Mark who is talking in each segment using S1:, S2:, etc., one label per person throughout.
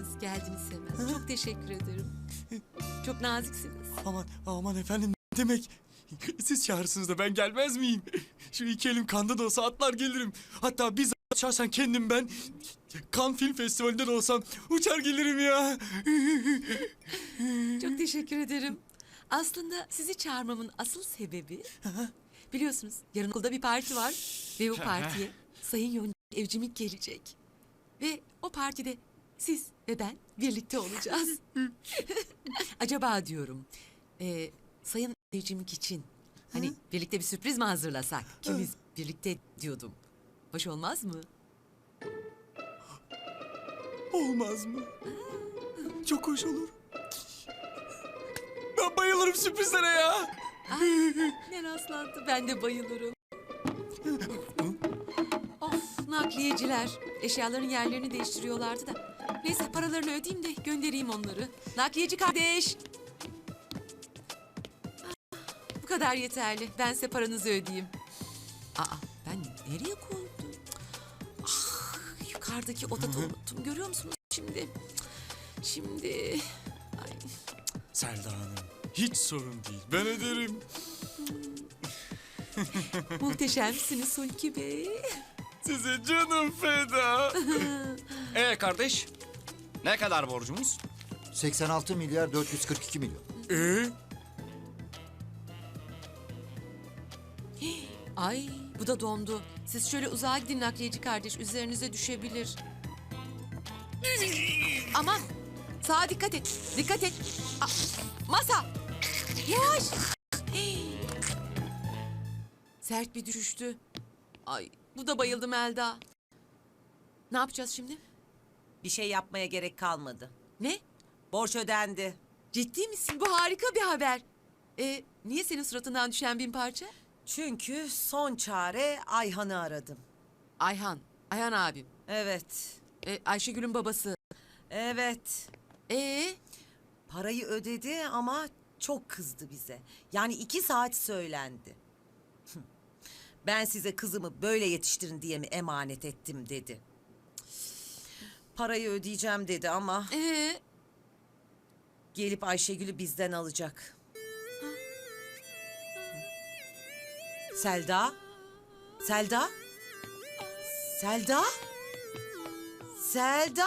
S1: varsınız geldiniz hemen. Çok teşekkür ederim. Çok naziksiniz.
S2: Aman efendim, ne demek? Siz çağırırsınız da ben gelmez miyim? Şu iki elim kanda da olsa atlar gelirim. Hatta bizzat şahsen kendim ben Cannes Film Festivali'nde de olsam uçar gelirim ya.
S1: Çok teşekkür ederim. Aslında sizi çağırmamın asıl sebebi... biliyorsunuz yarın okulda bir parti var. Ve bu partiye Sayın Yonca Evcimik gelecek. Ve o partide siz ve ben birlikte olacağız. Acaba diyorum... Sayın Evcimik için... hani birlikte bir sürpriz mi hazırlasak? İkimiz birlikte diyordum. Hoş olmaz mı?
S2: Olmaz mı? Çok hoş olur. Ben bayılırım sürprizlere ya.
S1: Ne rastlantı, ben de bayılırım. Of, nakliyeciler. Eşyaların yerlerini değiştiriyorlardı da. Neyse paralarını ödeyeyim de göndereyim onları. Nakliyeci kardeş. Bu kadar yeterli. Ben size paranızı ödeyeyim. Ben nereye koydum? Yukarıdaki odada unuttum. Görüyor musunuz şimdi? Ay.
S2: Selda Hanım, hiç sorun değil. Ben öderim.
S1: Muhteşemsiniz Hulki Bey.
S2: Size canım feda.
S3: Kardeş, ne kadar borcumuz?
S4: 86 milyar 442 milyon.
S1: Ay, bu da dondu. Siz şöyle uzağa gidin nakliyeci kardeş. Üzerinize düşebilir. Aman, sağa dikkat et. Dikkat et. Masa. Yavaş. Sert bir düşüştü. Ay, bu da bayıldı Melda. Ne yapacağız şimdi?
S5: Bir şey yapmaya gerek kalmadı.
S1: Ne?
S5: Borç ödendi.
S1: Ciddi misin? Bu harika bir haber. Niye senin suratından düşen 1000 parça?
S5: Çünkü son çare Ayhan'ı aradım.
S1: Ayhan abim.
S5: Evet.
S1: Ayşegül'ün babası.
S5: Evet.
S1: Parayı
S5: ödedi ama çok kızdı bize. Yani 2 saat söylendi. Ben size kızımı böyle yetiştirin diye mi emanet ettim dedi. Parayı ödeyeceğim dedi ama gelip Ayşegül'ü bizden alacak. Selda? Selda? Selda? Selda?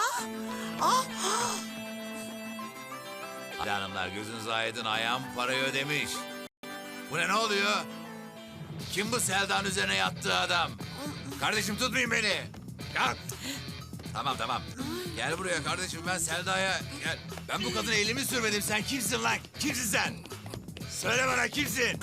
S6: Hanımlar gözünüz aydın, ayağım parayı ödemiş. Bu ne oluyor? Kim bu Selda'nın üzerine yattığı adam? Kardeşim tutmayın beni. Ya. Tamam. Gel buraya kardeşim, ben Selda'ya gel. Ben bu kadına elimi sürmedim. Sen kimsin lan? Kimsin sen? Söyle bana, kimsin?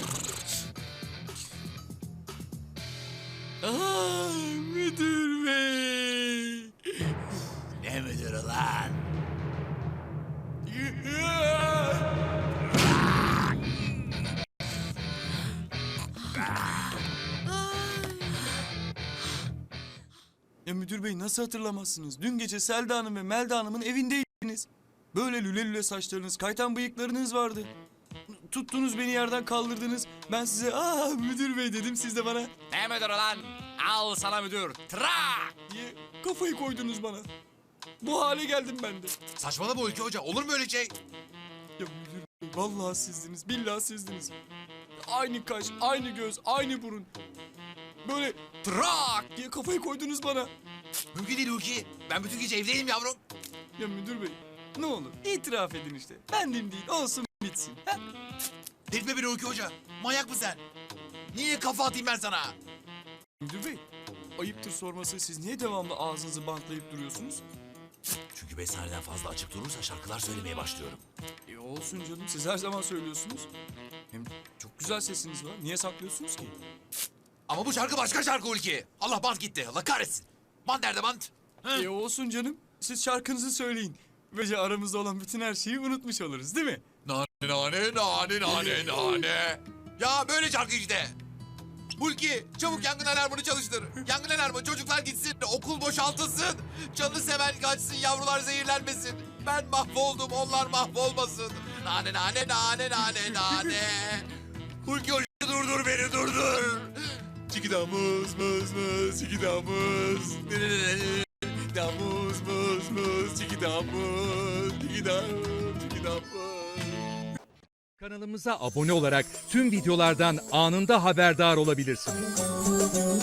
S2: Müdür bey.
S6: Ne müdürü lan?
S2: Ya müdür bey, nasıl hatırlamazsınız? Dün gece Selda Hanım ve Melda Hanım'ın evindeydiniz. Böyle lüle saçlarınız, kaytan bıyıklarınız vardı. Tuttunuz beni, yerden kaldırdınız. Ben size müdür bey dedim, siz de bana
S6: Ne müdürü lan? Al sana müdür. Trak!
S2: diye kafayı koydunuz bana. Bu hale geldim ben de.
S6: Saçmalama Hulki Hoca. Olur mu öyle şey?
S2: Ya müdür bey, vallahi sizdiniz, billahi sizdiniz. Aynı kaş, aynı göz, aynı burun. Böyle trak diye kafayı koydunuz bana.
S6: Mümkün değil Hulki. Ben bütün gece evdeyim yavrum.
S2: Ya müdür bey, ne olur itiraf edin işte. Bendim değil, olsun bitsin. Ha?
S6: Delirtme beni Hulki Hoca. Manyak mısın sen? Niye kafa atayım ben sana?
S2: Müdür bey, ayıptır sorması, siz niye devamlı ağzınızı bantlayıp duruyorsunuz?
S6: Çünkü 5 saniyeden fazla açık durursa şarkılar söylemeye başlıyorum.
S2: Olsun canım, siz her zaman söylüyorsunuz. Hem çok güzel sesiniz var, niye saklıyorsunuz ki?
S6: Ama bu şarkı başka şarkı Hulki. Allah, bant gitti. Allah kahretsin. Bant nerede bant?
S2: Olsun canım, siz şarkınızı söyleyin. Böylece aramızda olan bütün her şeyi unutmuş oluruz, değil mi?
S6: Nane. Ya böyle şarkı işte. Hulki, çabuk yangın alarmını çalıştır. Yangın alarmı, çocuklar gitsin, okul boşaltılsın. Canını seven kaçsın, yavrular zehirlenmesin. Ben mahvoldum, onlar mahvolmasın. Nane. Hulki Hoca, durdur beni, durdur. Çikidamuz, muz, çikidamuz. Damuz, muz, Çikidamız, çikidamız, çikidamız, çikidamız.
S7: Kanalımıza abone olarak tüm videolardan anında haberdar olabilirsiniz.